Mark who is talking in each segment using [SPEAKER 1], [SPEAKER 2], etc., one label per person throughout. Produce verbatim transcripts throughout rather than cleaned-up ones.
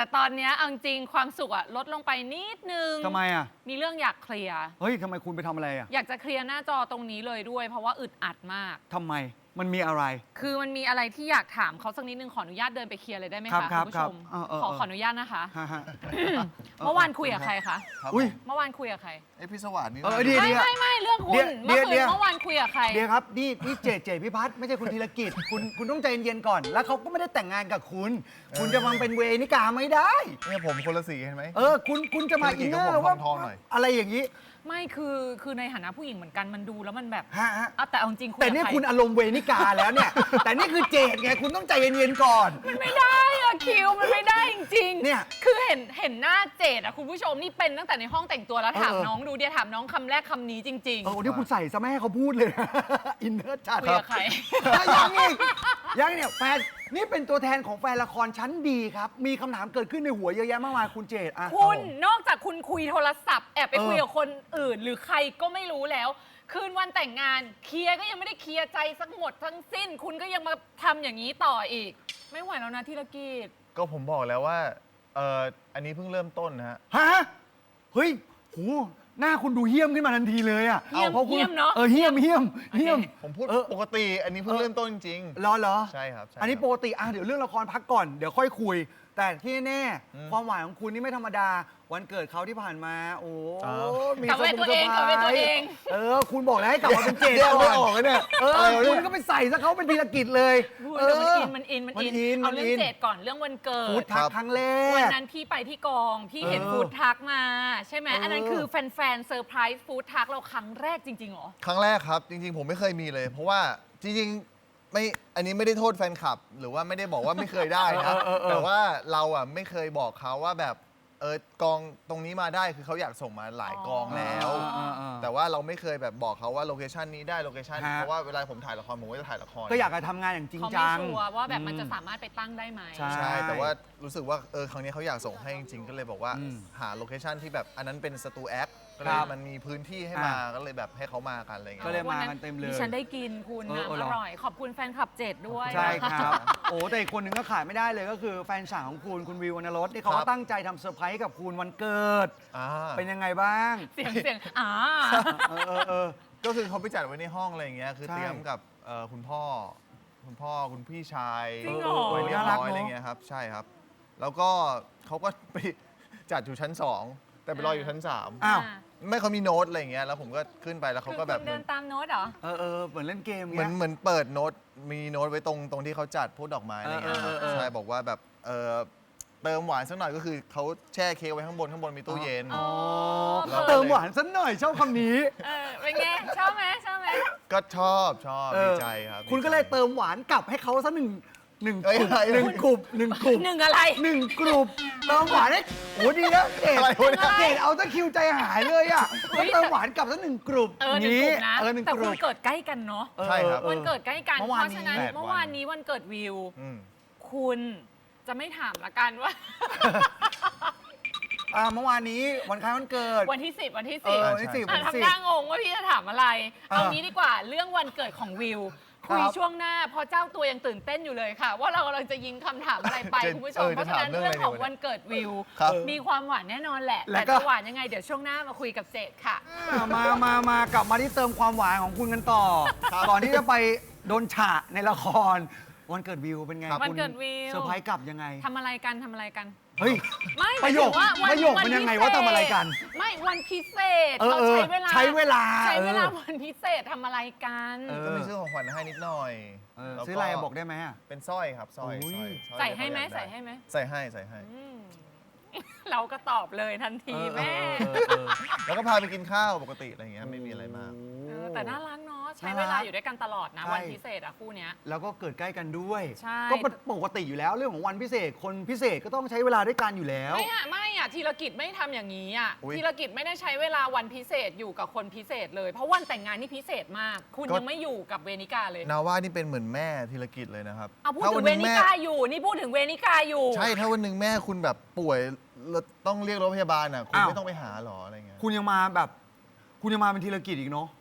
[SPEAKER 1] แต่ตอนนี้เอาจริงความสุขอะลดลงไปนิดนึง
[SPEAKER 2] ทำไมอ่ะ
[SPEAKER 1] มีเรื่องอยากเคลียร์
[SPEAKER 2] เฮ้ยทำไมคุณไปทำอะไรอ่ะ
[SPEAKER 1] อยากจะเคลียร์หน้าจอตรงนี้เลยด้วย เพราะว่าอึดอัดมาก
[SPEAKER 2] ทำไมมันมีอะไร
[SPEAKER 1] คือมันมีอะไรที่อยากถามเขาสักนิดนึงขออนุญาตเดินไปเคลียร์เลยได้ไหมคะคุณผู้ชมขอขออนุญาตนะคะเมื่อวานคุยกับใครคะ
[SPEAKER 2] อุ้ย
[SPEAKER 1] เมื่อวานคุยกับใคร
[SPEAKER 3] เอ้พี่สวัสดิ์นี่
[SPEAKER 1] ไม่ไม่ไม่เรื่องคุณเมื่อคืนเมื่อวานคุยกับใคร
[SPEAKER 2] เดี๋ยวครับนี่นี่เจเจพิพัฒน์ไม่ใช่คุณธีรกิจคุณคุณต้องใจเย็นๆก่อนแล้วเขาก็ไม่ได้แต่งงานกับคุณ คุณจะมาเป็นเวนิกาไม่ได้
[SPEAKER 3] เนี่ยผมคนละสีเห็นไหม
[SPEAKER 2] เออคุณคุณจะมาอินเนอร์ว่าอะไรอย่างนี้
[SPEAKER 1] ไม่คือคือในฐานะผู้หญิงเหมือนกันมันดูแล้วมันแบบ
[SPEAKER 2] ฮะฮะ
[SPEAKER 1] แต่เอาจริง
[SPEAKER 2] แต่นี่คุณอารมณ์เวนิกาแล้วเนี่ยแต่นี่คือเจดไงคุณต้องใจเย็นๆก่อน
[SPEAKER 1] มันไม่ได้อะคิวมันไม่ได้จริงๆ
[SPEAKER 2] เนี่ย
[SPEAKER 1] คือเห็นเห็นหน้าเจดอะคุณผู้ชมนี่เป็นตั้งแต่ในห้องแต่งตัวแล้วถามน้องดูเดียถามน้องคำแรกคำนี้จริงๆ
[SPEAKER 2] เออเดี๋ยวคุณใส่ซะแม่ให้เขาพูดเลยอินเนอร์จัด
[SPEAKER 1] คุยกับใคร
[SPEAKER 2] ยังอีกยังเนี่ยแฟนนี่เป็นตัวแทนของแฟนละครชั้นดีครับมีคำถามเกิดขึ้นในหัวเยอะแยะมากมายคุณเจดอะ
[SPEAKER 1] คุณนอกจากคุณคุยโทรศัพท์แอบไปคุยกับคนอื่นหรือใครก็ไม่รู้แล้วคืนวันแต่งงานเคลียร์ก็ยังไม่ได้เคลียร์ใจสักหมดทั้งสิ้นคุณก็ยังมาทำอย่างนี้ต่ออีกไม่ไหวแล้วนะธีรกิจ
[SPEAKER 3] ก็ผมบอกแล้วว่าเอออันนี้เพิ่งเริ่มต้นนะฮะ
[SPEAKER 2] ฮะเฮ้ยโหหน้าคุณดูเหี้ยมขึ้นมาทันทีเลยอ่ะ
[SPEAKER 1] เหี้ยมเหี้ยมเนาะ
[SPEAKER 2] เออเหี้ยมเหี้ยมเหี้ยม
[SPEAKER 3] ผมพูดปกติอันนี้เพิ่งเริ่มต้นจริง
[SPEAKER 2] รอเหรอ
[SPEAKER 3] ใช่ครับ
[SPEAKER 2] อันนี้ปกติอ่ะเดี๋ยวเรื่องละครพักก่อนเดี๋ยวค่อยคุยแต่ที่แน่ความหวานของคุณนี่ไม่ธรรมดาวันเกิดเขาที่ผ่านมาโอ้
[SPEAKER 1] มีกลับไปตัวเองกลับไปตัวเอง
[SPEAKER 2] เออคุณบอกแล้วให้กลับมาเป็นเจด
[SPEAKER 3] ไม่ออกเนี่ย
[SPEAKER 2] เออคุณก็ไปใส่ซะเขาเป็นธีรกิจเลย
[SPEAKER 1] เออมันอินมันอินมันอินเอาเรื่องเจดก่อนเรื่องวันเกิด
[SPEAKER 2] ฟู้ดทักครั้งแรก
[SPEAKER 1] วันนั้นพี่ไปที่กองพี่เห็นฟู้ดทักมาใช่ไหมอันนั้นคือแฟนๆเซอร์ไพรส์ฟู้ดทักเราครั้งแรกจริงๆหรอ
[SPEAKER 3] ครั้งแรกครับจริงๆผมไม่เคยมีเลยเพราะว่าจริงๆไม่อันนี้ไม่ได้โทษแฟนคลับหรือว่าไม่ได้บอกว่าไม่เคยได้นะแต่ว่าเราอ่ะไม่เคยบอกเขาว่าแบบเออกองตรงนี้มาได้คือเขาอยากส่งมาหลายกองแล้วแต่ว่าเราไม่เคยแบบบอกเขาว่าโลเคชันนี้ได้โลเคชันเพราะว่าเวลาผมถ่ายละครผมก็จะถ่ายละคร
[SPEAKER 2] ก็อยากจะทำงานอย่างจริงจัง
[SPEAKER 1] เขาไม่ชัวร์ว่าแบบมันจะสามารถไปตั้งได้ไหม
[SPEAKER 3] ใช่แต่ว่ารู้สึกว่าเออครั้งนี้เขาอยากส่งให้จริงๆก็เลยบอกว่าหาโลเคชันที่แบบอันนั้นเป็นสตูแอคก็เลยมันมีพื้นที่ให้มาก็เลยแบบให้เขามากันอะไรเงี้ย
[SPEAKER 2] ก็เลยมากันเต็มเลย
[SPEAKER 1] ดิฉันได้กินคุณน้ำอร่อยขอบคุณแฟนคลับเจ็ดด้วย
[SPEAKER 2] ใช่ครับโอ้แต่อีกคนหนึ่งก็ขาดไม่ได้เลยก็คือแฟนสาวของคุณคุณวิววรรณรสที่เขาก็ตั้งใจทำเซอร์ไพรส์กับคุณวันเกิดเป็นยังไงบ้าง
[SPEAKER 1] เสียงเสียงอ่า
[SPEAKER 3] ก็คือเขาไปจัดไว้ในห้องอะไรอย่างเงี้ยคือเตรียมกับคุณพ่อคุณพ่อคุณพี่ชายไว้เรียบร้อยอะไรเงี้ยครับใช่ครับแล้วก็เขาก็ไปจัดอยู่ชั้นสองแต่ไปรออยู่ชั้นสาม
[SPEAKER 2] อ้าว
[SPEAKER 3] ไม่เขามีโน้ตอะไรอย่างเงี้ยแล้วผมก็ขึ้นไปแล้วเขาก็แบบ
[SPEAKER 1] เดินตามโน้ตเหรอ
[SPEAKER 2] เออเออเหมือนเล่นเกม
[SPEAKER 3] เหมือนเหมือนเปิดโน้ตมีโน้ตไว้ตรงตรงที่เขาจัดพูดดอกไม้อะไรเงี้ยใช่บอกว่าแบบเออเติมหวานสักหน่อยก็คือเขาแช่เค้กไว้ข้างบนข้างบนมีตู้เย็น
[SPEAKER 2] เติมหวานสักหน่อยชอบคำนี้
[SPEAKER 1] เออเป็นไงชอบไหมชอบไหม
[SPEAKER 3] ก็ชอบชอบดีใจครับ
[SPEAKER 2] คุณก็เลยเติมหวานกลับให้เขาสักหนึ่งหนึ่งกลุ่มหนึ่งกลุ่มหนึ่งกลุ่ม
[SPEAKER 1] หนึ่งอะไร
[SPEAKER 2] หนึ่งกลุ่มเติมหวานให้โอ้ดีนะเกดเกดเอาตะคิวใจหายเลยอ่ะเติมหวานกลับสักหนึ่งกลุ่ม
[SPEAKER 1] เออหนึ่งกลุ่มนะแต่คุณเกิดใกล้กันเนาะ
[SPEAKER 3] ใช่ครับ
[SPEAKER 1] วันเกิดใกล้กันเพราะฉะนั้นเมื่อวานนี้วันเกิดวิวคุณจะไม่ถามละกันว่า
[SPEAKER 2] เมื่อวานนี้วันคล้ายวันเกิด
[SPEAKER 1] วันที่สิบวันที่สิบ
[SPEAKER 2] วันที่สิบ
[SPEAKER 1] ทำหน้างงว่าพี่จะถามอะไรเอางี้ดีกว่าเรื่องวันเกิดของวิวคุยช่วงหน้าพอเจ้าตัวยังตื่นเต้นอยู่เลยค่ะว่าเรากำลังจะยิงคำถามอะไรไปคุณผู้ชมเพราะฉะนั้นเรื่องของวันเกิดวิวมีความหวานแน่นอนแหละแต่จะหวานยังไงเดี๋ยวช่วงหน้ามาคุยกับเจดค่ะ
[SPEAKER 2] มามามากลับมาที่เติมความหวานของคุณกันต่อก่อนที่จะไปโดนฉะในละครวันเกิดวิวเป็นไง
[SPEAKER 1] วันเกิดวิว
[SPEAKER 2] เซอร์ไพรส์กลับยังไง
[SPEAKER 1] ทำอะไรกันทำอะไรกัน
[SPEAKER 2] เฮ้ย
[SPEAKER 1] ไม่
[SPEAKER 2] ประโยคประโยคเป็นยังไงว่าทำอะไรกัน
[SPEAKER 1] ไม่วันพิเศษเราใช้เวลา
[SPEAKER 2] ใช้เวลา
[SPEAKER 1] ใช้เวลาวันพิเศษทำอะไรกัน
[SPEAKER 3] ก็มีซื้อของขวัญให้นิดหน่อย
[SPEAKER 2] ซื้ออะไรบอกได้ไหม
[SPEAKER 3] เป็นสร้อยครับสร้อย
[SPEAKER 1] ใส่ให้ไหมใส่ให้ไหม
[SPEAKER 3] ใส่ให้ใส่ให้
[SPEAKER 1] เราก็ตอบเลยทันทีแม่
[SPEAKER 3] แล้วก็พาไปกินข้าวปกติอะไรเงี้ยไม่มีอะไรมาก
[SPEAKER 1] แต่น่ารักเนาะใช้เวลาอยู่ด้วยกันตลอดนะวันพิเศษอะคู่เนี้ย
[SPEAKER 2] แล้วก็เกิดใกล้กันด้วย
[SPEAKER 1] ใช่
[SPEAKER 2] ก็ปกติอยู่แล้วเรื่องของวันพิเศษคนพิเศษก็ต้องใช้เวลาด้วยกันอยู่แล้ว
[SPEAKER 1] ไม่อะไม่อะธีรกิจไม่ทำอย่างนี้อะธีรกิจไม่ได้ใช้เวลาวันพิเศษอยู่กับคนพิเศษเลยเพราะวันแต่งงานนี่พิเศษมากคุณยังไม่อยู่กับเวนิกาเลย
[SPEAKER 3] นาว่านี่เป็นเหมือนแม่ธีรกิจเลยนะครับ
[SPEAKER 1] เอาพูดถึงเวนิกาอยู่นี่พูดถึงเวนิกาอยู่
[SPEAKER 3] ใช่ถ้าวันหนึ่งแม่คุณแบบป่วยต้องเรียกรถพยาบาลอ่ะคุณไม่ต้องไปหาหรออะไรเงี้ย
[SPEAKER 2] คุณยังมาแบบคุณยังมาเป็นธีรกิจอีกเนาะ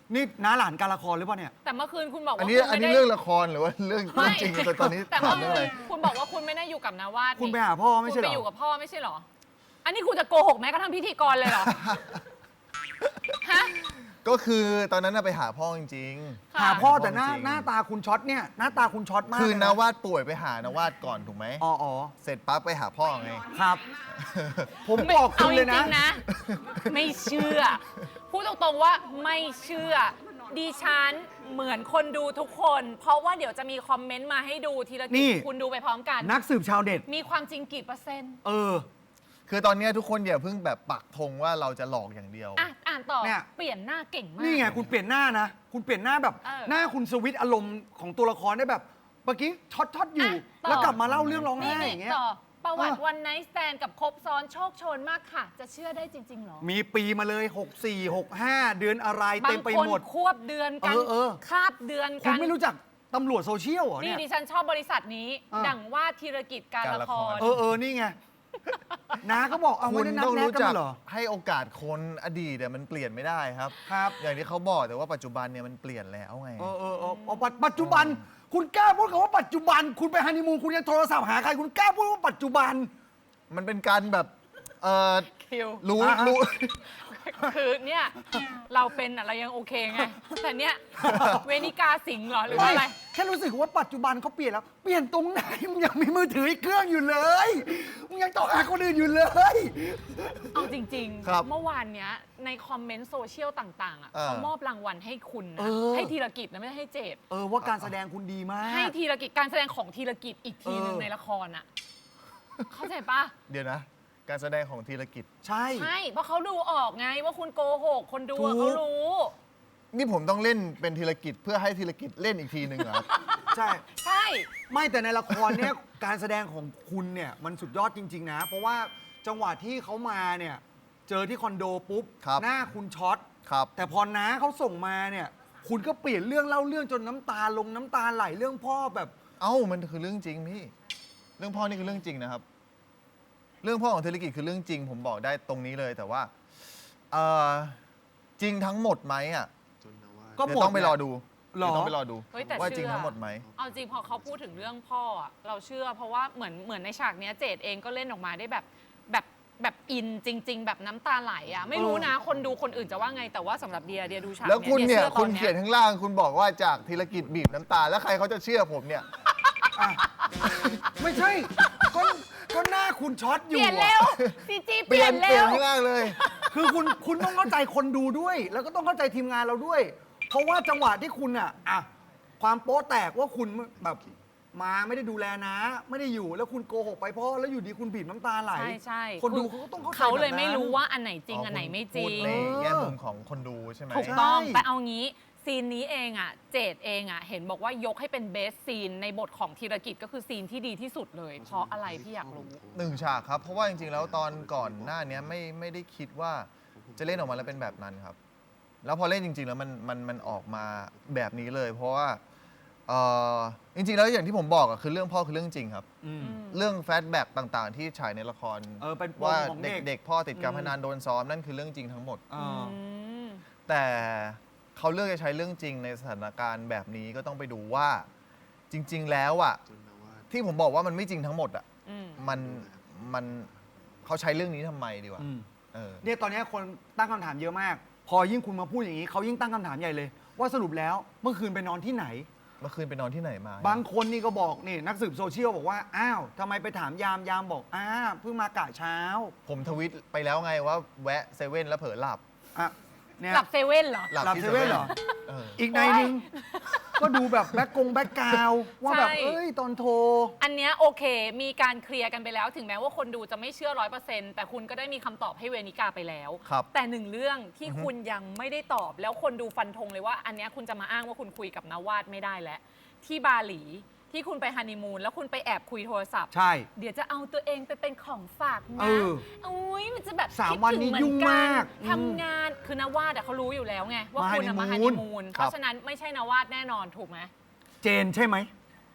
[SPEAKER 2] นี่น้าหลานการละครหรือเปล่าเนี่ย
[SPEAKER 1] แต่เมื่อคืนคุณบอก
[SPEAKER 3] อัน
[SPEAKER 1] ว่า
[SPEAKER 3] นี้
[SPEAKER 1] คุณ
[SPEAKER 3] อัน
[SPEAKER 1] ไม่
[SPEAKER 3] นี้
[SPEAKER 1] ได้
[SPEAKER 3] เรื่องละครหรือว่าเรื่อง
[SPEAKER 1] ไม่
[SPEAKER 3] จริงแต่ตอนนี้
[SPEAKER 1] แต่
[SPEAKER 3] ถา
[SPEAKER 1] เมื่
[SPEAKER 3] มเรื่องอะไร
[SPEAKER 1] อคุณบอกว่าคุณไม่ได้อยู่กับนาวาด
[SPEAKER 2] คุณไป
[SPEAKER 1] นี่
[SPEAKER 2] หาพ่อไม่ใช่
[SPEAKER 1] คุณ
[SPEAKER 2] เหร
[SPEAKER 1] ไป
[SPEAKER 2] อ
[SPEAKER 1] อยู่กับพ่อไม่ใช่เหรอ อันนี้คุณจะโกหกแม้กระทั่งพิธีกรเลยเหรอ ฮะ
[SPEAKER 3] ก็คือตอนนั้นน่ะไปหาพ่อจริง
[SPEAKER 1] ค่ะ
[SPEAKER 2] หาพ่อแต่หน้า
[SPEAKER 3] จริง
[SPEAKER 2] หน้าตาคุณช็อตเนี่ยหน้าตาคุณช็อตมาก
[SPEAKER 3] ๆ คือ
[SPEAKER 2] เลย
[SPEAKER 3] นาวาดป่วยไปหานาวาดก่อนถูกไหม
[SPEAKER 2] อ๋ออ๋อ
[SPEAKER 3] เสร็จปั๊บไปหาพ่อไง
[SPEAKER 2] ครับ ผมบอกคุ
[SPEAKER 1] เอา
[SPEAKER 2] ณ
[SPEAKER 1] จ
[SPEAKER 2] เลยนะ
[SPEAKER 1] ริงๆนะ ไม่เชื่อ พูดตรงๆว่าไม่เชื่อ ดิฉันเหมือนคนดูทุกคน เพราะว่าเดี๋ยวจะมีคอมเมนต์มาให้ดูทีละ
[SPEAKER 2] นี่
[SPEAKER 1] นิดคุณดูไปพร้อมกัน
[SPEAKER 2] นักสืบชาวเน็ต
[SPEAKER 1] มีความจริงกี่เปอร์เซ็นต์
[SPEAKER 2] เออ
[SPEAKER 3] คือตอนเนี้ยทุกคนอย่าเพิ่งแบบปักธงว่าเราจะหลอกอย่างเดียว
[SPEAKER 1] อ่ะ อ่านต่อ
[SPEAKER 2] เนี่ย
[SPEAKER 1] เปลี่ยนหน้าเก่งมาก
[SPEAKER 2] นี่ไงคุณเปลี่ยนหน้านะ คุณเปลี่ยนหน้าแบบ
[SPEAKER 1] เออ
[SPEAKER 2] หน้าคุณสวิตช์อารมณ์ของตัวละครได้แบบเมื่อกี้ช็อตช็อตอยู่
[SPEAKER 1] อ่ะต่อ
[SPEAKER 2] แล้วกลับมาเล่าเรื่องร้อง
[SPEAKER 1] นี่
[SPEAKER 2] ไห้
[SPEAKER 1] นี่
[SPEAKER 2] อย่างเงี้ย
[SPEAKER 1] ต่อ ประวัติ
[SPEAKER 2] เออ
[SPEAKER 1] วันไนท์สแตนกับครบซ้อนโชคโชนมากค่ะ จะเชื่อได้จริงๆเหรอ
[SPEAKER 2] มีปีมาเลย หกสี่ หกห้า เดือนอะไร
[SPEAKER 1] บา
[SPEAKER 2] เต็
[SPEAKER 1] ง
[SPEAKER 2] มไป
[SPEAKER 1] คน
[SPEAKER 2] หมด
[SPEAKER 1] ควบเดือนกัน
[SPEAKER 2] เออเออ
[SPEAKER 1] คาบเดือน
[SPEAKER 2] คุ
[SPEAKER 1] กั
[SPEAKER 2] ณ
[SPEAKER 1] น
[SPEAKER 2] ไม่รู้จักตำรวจโซเชียลเหรอ
[SPEAKER 1] นี่
[SPEAKER 2] เนี่ย
[SPEAKER 1] ดิฉันชอบบริษัทนี้
[SPEAKER 2] อ่า
[SPEAKER 1] ดั่งว่าธีรกิจการ
[SPEAKER 3] การ
[SPEAKER 1] ละ
[SPEAKER 3] ละ
[SPEAKER 1] ค
[SPEAKER 3] ค
[SPEAKER 1] ร
[SPEAKER 3] ร
[SPEAKER 2] เออเออนี่ไง น้าก็บอกเอา
[SPEAKER 3] คุ
[SPEAKER 2] ไม่
[SPEAKER 3] ณ
[SPEAKER 2] ได้นัด
[SPEAKER 3] ต้อง
[SPEAKER 2] แนะ
[SPEAKER 3] รู้
[SPEAKER 2] กัน
[SPEAKER 3] จัก
[SPEAKER 2] มาเหรอ
[SPEAKER 3] ให้โอกาสคนอดีตเนี่ยมันเปลี่ยนไม่ได้ครับ
[SPEAKER 2] ครับ
[SPEAKER 3] อย่างที่เขาบอกแต่ว่าปัจจุบันเนี่ยมันเปลี่ยนแล้วไง
[SPEAKER 2] เออเออเออเอาปัจปัจจุบัน คุณกล้าพูดคำว่าปัจจุบัน คุณไปฮันนีมูนคุณยังโทรศัพท์หาใคร คุณกล้าพูดว่าปัจจุบัน
[SPEAKER 3] มันเป็นการแบบเออ
[SPEAKER 1] คิว
[SPEAKER 3] รู้
[SPEAKER 2] อ่ะ
[SPEAKER 3] รู้
[SPEAKER 1] คือเนี่ยเราเป็นอะเรายังโอเคไง แต่เนี่ยเวนิกาสิงห์เหรอหรือว่าอะไร
[SPEAKER 2] แค่รู้สึกว่าปัจจุบันเขาเปลี่ยนแล้ว เปลี่ยนตรงไหนมึงยังมีมือถืออีกเครื่องอยู่เลยมึงยังต้องหาคนอื่นอยู่เลย
[SPEAKER 1] เอาจริง
[SPEAKER 3] ครับ
[SPEAKER 1] ๆ เมื่อวานเนี้ยในคอมเมนต์โซเชียลต่างๆอ่ะ
[SPEAKER 3] เออ
[SPEAKER 1] เขามอบรางวัลให้คุณนะ
[SPEAKER 2] เออ
[SPEAKER 1] ให้ธีรกิจนะไม่ได้ให้เจด
[SPEAKER 2] เออว่าการแสดงคุณดีมาก
[SPEAKER 1] ให้ธีรกิจการแสดงของธีรกิจอีกทีหนึ่ง
[SPEAKER 2] เออ
[SPEAKER 1] ในละครอ่ะ เข้าใจปะ
[SPEAKER 3] เดี๋ยวนะ การแสดงของธีรกิจ
[SPEAKER 2] ใช่
[SPEAKER 1] ใช่ เพราะเขาดูออกไงว่าคุณโกหก คนดู
[SPEAKER 2] ถู
[SPEAKER 1] อะ
[SPEAKER 2] ก
[SPEAKER 1] เขารู้
[SPEAKER 3] นี่ผมต้องเล่นเป็นธีรกิจเพื่อให้ธีรกิจเล่นอีกทีหนึ่งเหรอครับ
[SPEAKER 2] ใช่
[SPEAKER 1] ใช่
[SPEAKER 2] ไม่แต่ในละครเนี้ย การแสดงของคุณเนี่ยมันสุดยอดจริง ๆ นะ เพราะว่าจังหวะที่เขามาเนี่ย เจอที่คอนโดปุ๊บ
[SPEAKER 3] ครับ
[SPEAKER 2] หน้าคุณช็อต
[SPEAKER 3] ครับ
[SPEAKER 2] แต่พอน้าเขาส่งมาเนี่ย คุณก็เปลี่ยนเรื่องเล่าเรื่องจนน้ำตาลงน้ำตาไหลเรื่องพ่อแบบ
[SPEAKER 3] เอ้ามันคือเรื่องจริงพี่ เรื่องพ่อนี่คือเรื่องจริงนะครับ เรื่องพ่อของธีรกิจคือเรื่องจริง ผมบอกได้ตรงนี้เลย แต่ว่าเอ่อจริงทั้งหมดไหมอ่ะ
[SPEAKER 2] ก็
[SPEAKER 3] เดี๋
[SPEAKER 2] ห
[SPEAKER 3] ย
[SPEAKER 2] ม
[SPEAKER 3] ว
[SPEAKER 2] ด
[SPEAKER 3] ต้องไปรอดู
[SPEAKER 2] หรอ
[SPEAKER 3] เดี๋ยวต้องไปรอดู
[SPEAKER 1] เฮ้ยแต่
[SPEAKER 3] ว่า
[SPEAKER 1] เชื่อ
[SPEAKER 3] จริงทั้งหมดไหม
[SPEAKER 1] เอาจริงพอเขาพูดถึงเรื่องพ่ออะเราเชื่อ เพราะว่าเหมือนเหมือนในฉากเนี้ยเจดเองก็เล่นออกมาได้แบบแบบแบบอินจริง ๆ แบบน้ำตาไหลอ่ะไม่รู้นะ คนดูคนอื่นจะว่าไงแต่ว่าสำหรับเดียเดียดูฉาก
[SPEAKER 3] แล้วคุณเนี่ย
[SPEAKER 1] ดีชื่อต
[SPEAKER 3] คุ
[SPEAKER 1] อ
[SPEAKER 3] ณเขียนข้างล่าง คุณบอกว่าจากธีรกิจบีบน้ำตา แล้วใครเขาจะเชื่อผมเนี่ย
[SPEAKER 2] อ่ะไม่ใช่ก็ก็หน้าคุณช็อตอ
[SPEAKER 1] เป
[SPEAKER 2] ยู่
[SPEAKER 1] ลี่ยนเร็
[SPEAKER 2] อะ
[SPEAKER 1] วซีจีเป
[SPEAKER 3] เปลี่
[SPEAKER 1] ลี่
[SPEAKER 3] ย
[SPEAKER 1] ย
[SPEAKER 3] น
[SPEAKER 1] น
[SPEAKER 3] เปลี่
[SPEAKER 1] เร็
[SPEAKER 3] ยน
[SPEAKER 1] ว
[SPEAKER 3] ข้างล่างเลย
[SPEAKER 2] คือคุณคุณต้องเข้าใจคนดูด้วย แล้วก็ต้องเข้าใจทีมงานเราด้วย เพราะว่าจังหวะที่คุณอ่ะอ่ะความโป๊ะแตกว่าคุณแบบมาไม่ได้ดูแลนะ ไม่ได้อยู่แล้วคุณโกหกไปพ่อแล้วอยู่ดีคุณบีบน้ำตาไหล
[SPEAKER 1] ใช่ใช่
[SPEAKER 2] คนดูเขาก็ต้องเข้าใจ
[SPEAKER 1] เขาเลย
[SPEAKER 2] แบบนั้น
[SPEAKER 1] ไม่รู้ว่าอันไหนจริง
[SPEAKER 3] อ๋ออั
[SPEAKER 1] อันไหนไม่จ
[SPEAKER 3] พู
[SPEAKER 1] ริ
[SPEAKER 3] ด
[SPEAKER 1] ง
[SPEAKER 3] ในแง่มุมของคนดูใช่ไหม
[SPEAKER 1] ถูกต้อง
[SPEAKER 2] ใช่
[SPEAKER 1] แต่เอางี้ซีนนี้เองอ่ะ เจดเองอ่ะ เห็นบอกว่ายกให้เป็นเบสซีนในบทของธีรกิจก็คือซีนที่ดีที่สุดเลย เพราะอะไรพี่อยากรู้
[SPEAKER 3] หนึ่งฉากครับ เพราะว่าจริงๆ แล้วตอนก่อนหน้าเนี้ยไม่ไม่ได้คิดว่าจะเล่นออกมาแล้วเป็นแบบนั้นครับ แล้วพอเล่นจริง ๆ แล้วมันมันมันออกมาแบบนี้เลย เพราะว่าเอ่อจริงๆ แล้วอย่างที่ผมบอกอะคือเรื่องพ่อคือเรื่องจริงครับ
[SPEAKER 2] อืม
[SPEAKER 3] เรื่องแฟลชแบ็กต่างๆ ที่ฉายในละคร
[SPEAKER 2] เออเป็นปม
[SPEAKER 3] ว่า
[SPEAKER 2] ของเด็ก
[SPEAKER 3] เด็กๆ พ่อติดการ
[SPEAKER 2] อืม
[SPEAKER 3] พนันโดนซ้อมนั่นคือเรื่องจริงทั้งหมด
[SPEAKER 2] อ่า
[SPEAKER 1] อืม
[SPEAKER 3] แต่เขาเลือกจะใช้เรื่องจริงในสถานการณ์แบบนี้ก็ต้องไปดูว่าจริง ๆ แล้วอ่ะที่ผมบอกว่ามันไม่จริงทั้งหมดอ่ะ
[SPEAKER 1] อืม
[SPEAKER 3] มันมันเขาใช้เรื่องนี้ทำไมดีกว่า
[SPEAKER 2] อืม
[SPEAKER 3] เออ
[SPEAKER 2] เนี่ยตอนนี้คนตั้งคำถามเยอะมาก พอยิ่งคุณมาพูดอย่างนี้เขายิ่งตั้งคำถามใหญ่เลย ว่าสรุปแล้วเมื่อคืนไปนอนที่ไหน
[SPEAKER 3] เมื่อคืนไปนอนที่ไหนมา
[SPEAKER 2] บางคนนี่ก็บอกนี่นักสืบโซเชียลบอกว่าอ้าวทำไมไปถามยามยามบอกอ้าเพิ่งมากะเช้า
[SPEAKER 3] ผมทวิตไปแล้วไงว่าแวะเซเว่นแล้วเผลอหลับ
[SPEAKER 2] อ่ะเนี่ย
[SPEAKER 1] หลับเซเว่นเหรอ
[SPEAKER 3] หลับ
[SPEAKER 2] หลับ
[SPEAKER 3] ที่
[SPEAKER 2] เซเว่นเหรอ
[SPEAKER 3] เออ
[SPEAKER 2] อีกในหนึ่งก็ดูแบบแบ็กกงแบ็กกราวด์ว่าแบบ
[SPEAKER 1] ใช่
[SPEAKER 2] เอ้ยตอนโทร
[SPEAKER 1] อันเนี้ยโอเค มีการเคลียร์กันไปแล้ว ถึงแม้ว่าคนดูจะไม่เชื่อร้อยเปอร์เซ็นต์แต่คุณก็ได้มีคำตอบให้เวนิกาไปแล้ว
[SPEAKER 3] ครับ
[SPEAKER 1] แต่หนึ่งเรื่องที่คุณยังไม่ได้ตอบ แล้วคนดูฟันธงเลยว่า อันเนี้ยคุณจะมาอ้างว่าคุณคุยกับนาวาดไม่ได้แล้ว ที่บาหลีที่คุณไปฮันนีมูนแล้วคุณไปแอบคุยโทรศัพท์
[SPEAKER 2] ใช่
[SPEAKER 1] เดี๋ยวจะเอาตัวเองไปเป็นของฝาก
[SPEAKER 2] เอ
[SPEAKER 1] นะ
[SPEAKER 2] อ
[SPEAKER 1] อุ้ยมันจะแบบ
[SPEAKER 2] สาม
[SPEAKER 1] คิด
[SPEAKER 2] วัน
[SPEAKER 1] ถึ
[SPEAKER 2] นี้
[SPEAKER 1] เห
[SPEAKER 2] ยุ่ง
[SPEAKER 1] อนน
[SPEAKER 2] มากอืม
[SPEAKER 1] ทำงานคือนาวาดอะเขารู้อยู่แล้วไงว่า
[SPEAKER 2] มา
[SPEAKER 1] คุณอะมา
[SPEAKER 2] ฮั
[SPEAKER 1] ฮั
[SPEAKER 2] น
[SPEAKER 1] น
[SPEAKER 2] นี
[SPEAKER 1] นี
[SPEAKER 2] มูน
[SPEAKER 1] มูน
[SPEAKER 3] ครับ
[SPEAKER 1] เพราะฉะนั้นไม่ใช่นาวาดแน่นอนถูกไหม
[SPEAKER 2] เจนใช่ไหม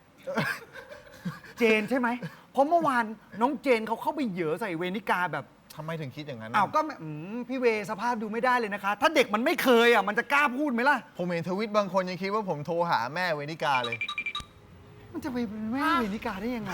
[SPEAKER 2] เจนใช่ไหมเพราะเมื่อวานน้องเจนเขาเข้าไปเหยอใส่เวนิกาแบบ
[SPEAKER 3] ทำไมถึงคิดอย่างนั้น
[SPEAKER 2] อ้าวก็ไม่อืมพี่เวย์สภาพดูไม่ได้เลยนะคะ ถ้าเด็กมันไม่เคยอ่ะมันจะกล้าพูดไหมล่ะ
[SPEAKER 3] ผมเห็นทวิตบางคนยังคิดว่าผมโทรหาแม่เวนิกาเลย
[SPEAKER 2] มันจะไปเป็นแม่เวนิกาได้ยังไง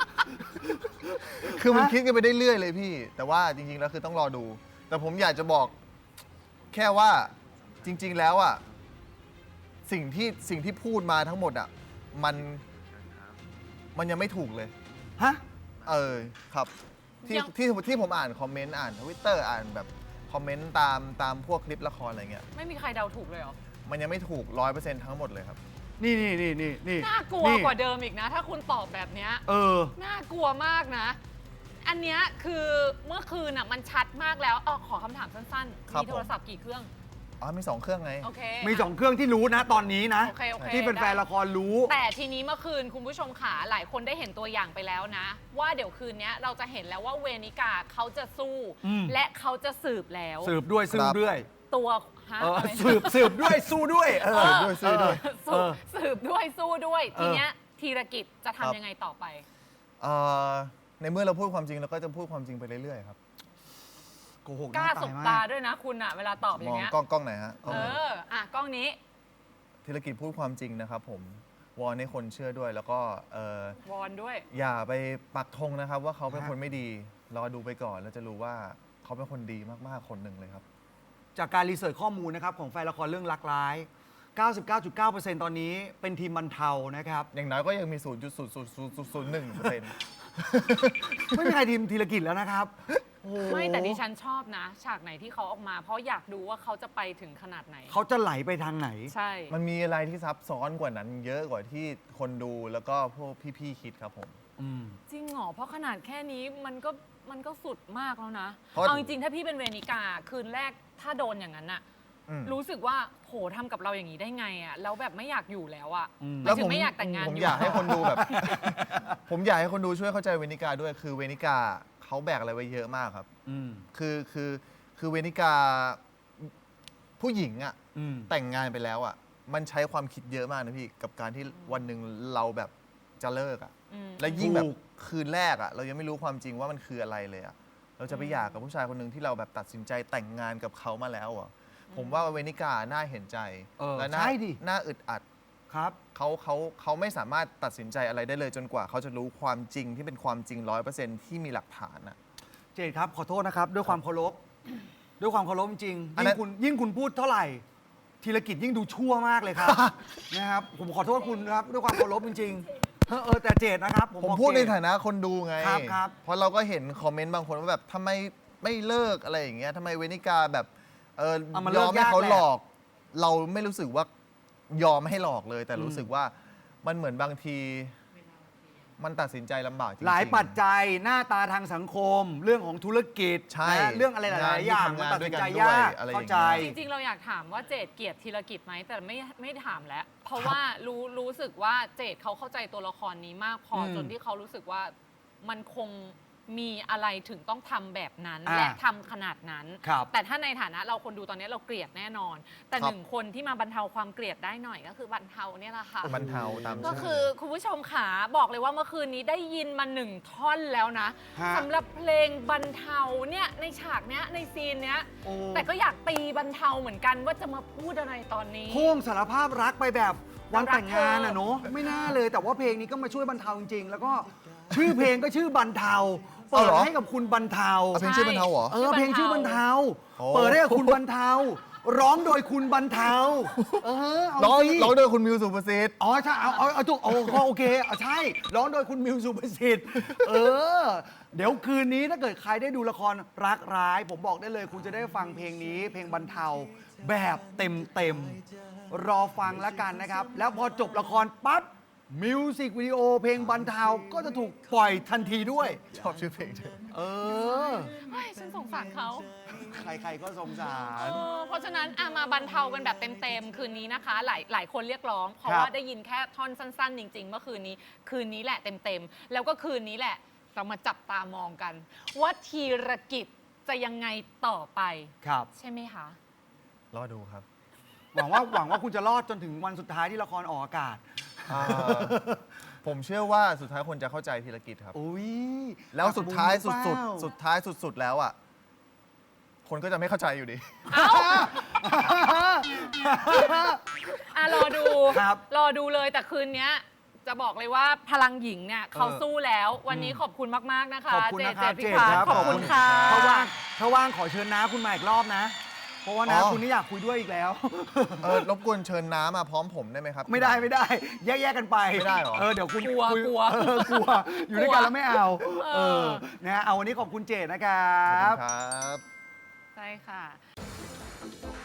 [SPEAKER 3] คือมัน
[SPEAKER 2] ฮะ
[SPEAKER 3] คิดกันไปได้เรื่อยเลยพี่ แต่ว่าจริงๆแล้วคือต้องรอดู แต่ผมอยากจะบอกแค่ว่าจริง ๆ แล้วอ่ะสิ่งที่สิ่งที่พูดมาทั้งหมดอ่ะมันมันยังไม่ถูกเลย
[SPEAKER 2] ฮะ
[SPEAKER 3] เออครับที่
[SPEAKER 1] ยัง
[SPEAKER 3] ที่ที่ผมอ่านคอมเมนต์อ่านทวิตเตอร์อ่านแบบคอมเมนต์ตามตามพวกคลิปละครอะไรเงี้ย
[SPEAKER 1] ไม่มีใครเดาถูกเลยเหรอ
[SPEAKER 3] มันยังไม่ถูกร้อยเปอร์เซ็นต์ทั้งหมดเลยครับ
[SPEAKER 2] นี่นี่นี่นี่นี่
[SPEAKER 1] น่ากลัว
[SPEAKER 2] นี่
[SPEAKER 1] กว่าเดิมอีกนะ ถ้าคุณตอบแบบเนี้ย
[SPEAKER 2] เออ
[SPEAKER 1] น่ากลัวมากนะ อันเนี้ยคือเมื่อคืนอ่ะมันชัดมากแล้วอ๋อขอคำถามสั้น
[SPEAKER 3] ครับ
[SPEAKER 1] ๆ มีโทรศัพท์กี่เครื่อง
[SPEAKER 3] อ๋อมีสองเครื่องไง
[SPEAKER 1] โอเค
[SPEAKER 2] มีสองเครื่องที่รู้นะตอนนี้นะ
[SPEAKER 1] โอเคโอเค
[SPEAKER 2] ที่เป็นแฟน
[SPEAKER 1] ได้
[SPEAKER 2] ละครรู้
[SPEAKER 1] แต่ทีนี้เมื่อคืนคุณผู้ชมขาหลายคนได้เห็นตัวอย่างไปแล้วนะ ว่าเดี๋ยวคืนนี้เราจะเห็นแล้วว่าเวนิกาเขาจะสู้
[SPEAKER 2] อืม
[SPEAKER 1] และเขาจะสืบแล้ว
[SPEAKER 2] สืบด้วยสืบด้วย
[SPEAKER 1] ตัวฮะ
[SPEAKER 2] เออ
[SPEAKER 1] อะไร
[SPEAKER 2] สืบสืบด้วยสู้ด้วยเออ
[SPEAKER 3] สืบด้วยสู้ด้วย
[SPEAKER 1] สืบสืบด้วยสู้ด้วย
[SPEAKER 2] เออ
[SPEAKER 1] ทีเนี้ยธีรกิจจะ
[SPEAKER 3] ครับ
[SPEAKER 1] ทำยังไงต่อไป
[SPEAKER 3] เอ่อในเมื่อเราพูดความจริงเราก็จะพูดความจริงไปเรื่อยๆครับ
[SPEAKER 2] โกหก
[SPEAKER 1] กล้า
[SPEAKER 2] ห
[SPEAKER 1] ส
[SPEAKER 2] น้
[SPEAKER 1] บ
[SPEAKER 2] ม
[SPEAKER 1] ตาด้วยนะคุณอะเวลาตอบอ
[SPEAKER 3] ม
[SPEAKER 1] ย่า
[SPEAKER 3] อง
[SPEAKER 1] งเงี้ย
[SPEAKER 3] กล้องกล้องไหนฮะกล้อง
[SPEAKER 1] เอ
[SPEAKER 3] ไหน
[SPEAKER 1] ออ่ะกล้องนี้
[SPEAKER 3] ธุรกิจพูดความจริงนะครับผมวอนให้คนเชื่อด้วย แล้วก็เอ่อ
[SPEAKER 1] วอนด้วย
[SPEAKER 3] อย่าไปปักธงนะครับ ว่าเขาเป็นคนไม่ดีรอดูไปก่อนแล้วจะรู้ว่าเขาเป็นคนดีมากๆคนหนึ่งเลยครับ
[SPEAKER 2] จากการรีเสิร์ชข้อมูลนะครับของแฟนละครเรื่องรักร้าย เก้าสิบเก้าจุดเก้าเปอร์เซ็นต์ ตอนนี้เป็นทีมบรรเทานะครับ
[SPEAKER 3] อย่างน้อยก็ยังมี ศูนย์จุดศูนย์ศูนย์ศูนย์ศูนย์หนึ่งเปอร์เซ็นต์
[SPEAKER 2] ไม่มีใครทีมธีรกิจแล้วนะครับโอ้โห
[SPEAKER 1] ไม่แต่ดิฉันชอบนะ ฉากไหนที่เขาออกมา เพราะอยากดูว่าเขาจะไปถึงขนาดไหน
[SPEAKER 2] เขาจะไหลไปทางไหน
[SPEAKER 1] ใช่
[SPEAKER 3] มันมีอะไรที่ซับซ้อนกว่านั้น เยอะกว่าที่คนดูแล้วก็พวกพี่ๆคิดครับผม
[SPEAKER 2] อืม
[SPEAKER 1] จริงเหรอ เพราะขนาดแค่นี้มันก็มันก็สุดมากแล้วนะ
[SPEAKER 3] เพราะ
[SPEAKER 1] เอาจริงๆ ถ้าพี่เป็นเวนิกา คืนแรกถ้าโดนอย่างนั้นอะ
[SPEAKER 3] อืม
[SPEAKER 1] รู้สึกว่าโหทำกับเราอย่างนี้ได้ไงอะแล้วแบบไม่อยากอยู่แล้วอะ
[SPEAKER 2] อืม
[SPEAKER 1] หมายถึงไม่อยากแต่งงาน
[SPEAKER 3] ผม
[SPEAKER 1] อยู่
[SPEAKER 3] อยากให้คนดูแบบ ผมอยากให้คนดูช่วยเข้าใจเวนิกาด้วย คือเวนิกาเขาแบกอะไรไว้เยอะมากครับ
[SPEAKER 2] อืม
[SPEAKER 3] คือคือคือเวนิกาผู้หญิงอะ
[SPEAKER 2] อืม
[SPEAKER 3] แต่งงานไปแล้วอะมันใช้ความคิดเยอะมากนะพี่กับการที่วันหนึ่งเราแบบจะเลิกอะ
[SPEAKER 1] อืม
[SPEAKER 3] และยิ่งแบบ
[SPEAKER 2] ถูก
[SPEAKER 3] คืนแรกอะเรายังไม่รู้ความจริงว่ามันคืออะไรเลยอะเราจะไปหย่ากับผู้ชายคนหนึ่งที่เราแบบตัดสินใจแต่งงานกับเขามาแล้วอะผมว่าเวนิกาน่าเห็นใจ
[SPEAKER 2] เออ
[SPEAKER 3] และน่า
[SPEAKER 2] ใช่ดิ
[SPEAKER 3] น่าอึดอัด
[SPEAKER 2] ครับ
[SPEAKER 3] เขาเขาเขาไม่สามารถตัดสินใจอะไรได้เลยจนกว่า เขาจะรู้ความจริงที่เป็นความจริงร้อยเปอร์เซ็นต์ที่มีหลักฐานอะ
[SPEAKER 2] เจดครับ ขอโทษนะครับ ด้วยความเคารพ ด้วยความเคารพจริง
[SPEAKER 3] อัน
[SPEAKER 2] ยิ่
[SPEAKER 3] นั้
[SPEAKER 2] ง
[SPEAKER 3] น
[SPEAKER 2] คุณยิ่งคุณพูดเท่าไหร่ ธีรกิจยิ่งดูชั่วมากเลยครับ นะครับ ผมขอโทษคุณครับ ด้วยความเคารพจริงๆเออเออแต่เจดนะครับ ผม
[SPEAKER 3] ผม
[SPEAKER 2] บอก
[SPEAKER 3] พูดใน
[SPEAKER 2] เจ
[SPEAKER 3] ฐานะคนดูไง
[SPEAKER 2] ครับครับ
[SPEAKER 3] เพราะเราก็เห็นคอมเมนต์บางคนว่าแบบทำไมไม่เลิกอะไรอย่างเงี้ยทำไมเวนิกาแบบเออ
[SPEAKER 2] เอามาย เลิ
[SPEAKER 3] อก มให้
[SPEAKER 2] ยาก
[SPEAKER 3] เขา
[SPEAKER 2] แหละ
[SPEAKER 3] หลอก เราไม่รู้สึกว่ายอมให้หลอกเลย แต่รู้
[SPEAKER 2] อืม
[SPEAKER 3] สึกว่ามันเหมือนบางที มันตัดสินใจลำบากจริงๆ
[SPEAKER 2] หลายปัจจัยหน้าตาทางสังคม เรื่องของธุรกิจ
[SPEAKER 3] ใช่
[SPEAKER 2] นะเรื่องอะไรหลายๆอย่าง
[SPEAKER 3] งานที่
[SPEAKER 2] มันตัดสินใจ
[SPEAKER 3] ทำงานด้วยกัน
[SPEAKER 2] ยาก
[SPEAKER 3] ด้วยอะไรอย่างเงี้ย
[SPEAKER 2] เข้าใจ
[SPEAKER 1] จริงๆ เราอยากถามว่าเจดเกลียดธีรกิจไหมแต่ไม่ไม่ถามแล้ว เพราะว่ารู้รู้สึกว่าเจดเขาเข้าใจตัวละครนี้มากพออ
[SPEAKER 2] ม
[SPEAKER 1] จนที่เขารู้สึกว่ามันคงมีอะไรถึงต้องทำแบบนั้น
[SPEAKER 2] อ่า
[SPEAKER 1] และทำขนาดนั้น
[SPEAKER 2] ครับ
[SPEAKER 1] แต่ถ้าในฐานะเราคนดูตอนนี้เราเกลียดแน่นอน แต่
[SPEAKER 3] ครับ
[SPEAKER 1] หนึ่งคนที่มาบรรเทาความเกลียดได้หน่อยก็คือบรรเทาเนี่ยแหละค่ะ
[SPEAKER 3] บรรเทาตาม
[SPEAKER 1] ก็
[SPEAKER 3] ชื่
[SPEAKER 1] คือคุณผู้ชมขาบอกเลยว่าเมื่อคืนนี้ได้ยินมาหนึ่งท่อนแล้วนะ
[SPEAKER 2] ฮะ
[SPEAKER 1] สำหรับเพลงบรรเทาเนี่ยในฉากเนี้ยในซีนเนี้ย
[SPEAKER 2] โอ้
[SPEAKER 1] แต่ก็อยากตีบรรเทาเหมือนกันว่าจะมาพูดอะไรตอนนี้
[SPEAKER 2] พ่วงสารภาพรักไปแบบวันแต่งงาน
[SPEAKER 1] รักเธอ
[SPEAKER 2] อ่ะเนาะไม่น่าเลยแต่ว่าเพลงนี้ก็มาช่วยบรรเทาจริงๆ แล้วก็ชื่อเพลงก็ชื่อบรรเทา
[SPEAKER 3] เอา
[SPEAKER 2] เปิ
[SPEAKER 3] เห
[SPEAKER 2] ด
[SPEAKER 3] รอ
[SPEAKER 2] ให้กับคุณบรรเทา
[SPEAKER 3] เอาเพลงชื่อบรรเทาเหรอ
[SPEAKER 2] เออเพลงชื่อบรรเทา
[SPEAKER 3] โอ้
[SPEAKER 2] เปิดให้กับคุณบรรเทา ร้องโดยคุณบรรเทา เออเอา
[SPEAKER 3] ร้อง
[SPEAKER 2] สิ
[SPEAKER 3] ร้องโดยคุณมิวสุภสิทธิ์
[SPEAKER 2] อ๋อใช่เอาเอาเอาถูกโอ้โอเคเอาใช่ ร้องโดยคุณมิวสุประสิทธิ์ เออ เดี๋ยวคืนนี้ถ้าเกิดใครได้ดูละครรักร้าย ผมบอกได้เลย คุณจะได้ฟังเพลงนี้ เพลงบรรเทาแบบเต็มเต็มๆรอฟังแล้วกันนะครับ แล้วพอจบละครปั๊บมิวสิกวิดีโอเพลงบรรเทาก็จะถูกปล่อยทันทีด้วย
[SPEAKER 3] ชอบชื่อเพลงจัง
[SPEAKER 2] เออ
[SPEAKER 1] เฮ้ยฉันสงสารเขา
[SPEAKER 2] ใครๆก็สงสา
[SPEAKER 1] เอ
[SPEAKER 2] ร
[SPEAKER 1] อเพราะฉะนั้นอะมาบรรเทากันแบบเต็มๆคืนนี้นะคะ หลายหลายคนเรียกร้อง เพราะ
[SPEAKER 2] ครับ
[SPEAKER 1] ว่าได้ยินแค่ท่อนสั้นๆ จริง ๆ เมื่อคืนนี้ คืนนี้แหละเต็มๆ แล้วก็คืนนี้แหละ เรามาจับตามองกัน ว่าธีรกิจจะยังไงต่อไป
[SPEAKER 2] ครับ
[SPEAKER 1] ใช่ไหมคะ
[SPEAKER 3] รอดูครับ
[SPEAKER 2] หวังว่าหวังว่าคุณจะรอดจนถึงวันสุดท้ายที่ละครออกอากาศ
[SPEAKER 3] อ่าผมเชื่อว่าสุดท้ายคนจะเข้าใจธีรกิจครับ
[SPEAKER 2] อุ้ย
[SPEAKER 3] แล้วสุดท้าย
[SPEAKER 2] ตั
[SPEAKER 3] สุ
[SPEAKER 2] บุ
[SPEAKER 3] ด
[SPEAKER 2] ญหรือเปล่า
[SPEAKER 3] ๆ สุดท้ายสุดๆ แล้วอ่ะคนก็จะไม่เข้าใจอยู่ดี
[SPEAKER 1] อ่ะรอดู
[SPEAKER 2] ครับ
[SPEAKER 1] รอดูเลยแต่คืนเนี้ยจะบอกเลยว่าพลังหญิงเนี่ยเขา
[SPEAKER 2] เออ
[SPEAKER 1] สู้แล้ว วันนี้ขอบคุณมาก ๆ นะคะ
[SPEAKER 2] ขอบคุณ
[SPEAKER 1] เจ
[SPEAKER 2] นะค
[SPEAKER 1] เจ
[SPEAKER 2] รับ
[SPEAKER 1] พิ
[SPEAKER 2] เจ
[SPEAKER 1] พัฒ
[SPEAKER 2] ค
[SPEAKER 1] น์
[SPEAKER 2] รับ
[SPEAKER 1] ขอบคุณค่ะ
[SPEAKER 2] ถ้าว่างถ้าว่างขอเชิญน้าคุณมาอีกรอบนะ เพราะว่าน้า
[SPEAKER 3] อ๋อ
[SPEAKER 2] คุณนี่อยากคุยด้วยอีกแล้ว
[SPEAKER 3] เออรบกวนเชิญน้ามาพร้อมผมได้ไหมครับ
[SPEAKER 2] ไม่ได้ไม่ได้ แยกๆกันไป
[SPEAKER 3] ไม่ได้เหรอ
[SPEAKER 2] เออเดี๋ยวคุณ
[SPEAKER 1] กลัว
[SPEAKER 2] คุย
[SPEAKER 1] กลัว
[SPEAKER 2] เออกลัว อยู่ด้วยกันแล้วไม่เอา
[SPEAKER 1] เออ
[SPEAKER 2] เออนะเอาวันนี้ขอบคุณเจดนะครั
[SPEAKER 3] ขอบคุณ
[SPEAKER 2] บ
[SPEAKER 3] ครับ
[SPEAKER 1] ใช่ค่ะ